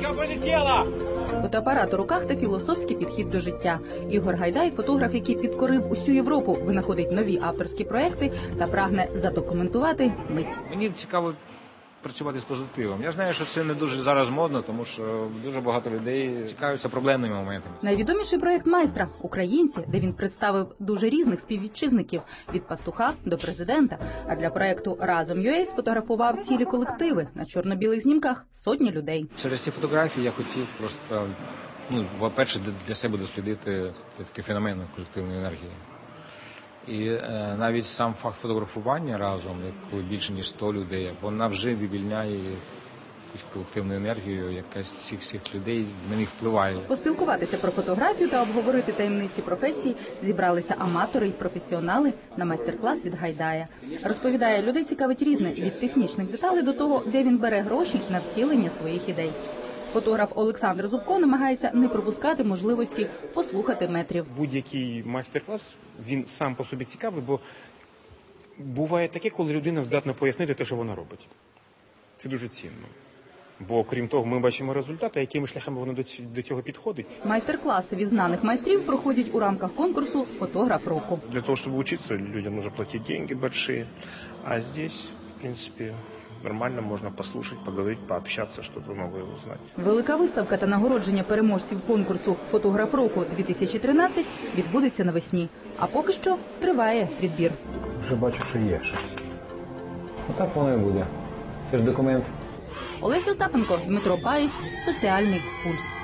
Бабочка полетела! Фотоапарат у руках та філософський підхід до життя. Ігор Гайдай – фотограф, який підкорив усю Європу, винаходить нові авторські проекти та прагне задокументувати мить. Мені цікаво працювати з позитивом. Я знаю, що це не дуже зараз модно, тому що дуже багато людей цікавляться проблемними моментами. Найвідоміший проект майстра – «Українці», де він представив дуже різних співвітчизників – від пастуха до президента. А для проекту «Разом.UA» сфотографував цілі колективи. На чорно-білих знімках – сотні людей. Через ці фотографії я хотів просто, по-перше, для себе дослідити такий феномен колективної енергії. І навіть сам факт фотографування разом, коли більше ніж 100 людей, вона вже вивільняє якусь колективну енергію, яка з всіх людей на них впливає. Поспілкуватися про фотографію та обговорити таємниці професії зібралися аматори і професіонали на майстер-клас від Гайдая. Розповідає, людей цікавить різне – від технічних деталей до того, де він бере гроші на втілення своїх ідей. Фотограф Олександр Зубко намагається не пропускати можливості послухати метрів. Будь-який майстер-клас, він сам по собі цікавий, бо буває таке, коли людина здатна пояснити те, що вона робить. Це дуже цінно. Бо, крім того, ми бачимо результати, якими шляхами воно до цього підходить. Майстер-класи від знаних майстрів проходять у рамках конкурсу «Фотограф року». Для того, чтобы учиться, людям нужно платить деньги большие. А здесь, в принципе, нормально можно послушать, поговорить, пообщаться, что-то новое узнать. Велика виставка та нагородження переможців конкурсу «Фотограф року-2013» відбудеться навесні. А поки що триває відбір. Вже бачу, що є щось. Отак воно і буде. Це ж документ. Олеся Остапенко, Дмитро Баєць, «Соціальний пульс».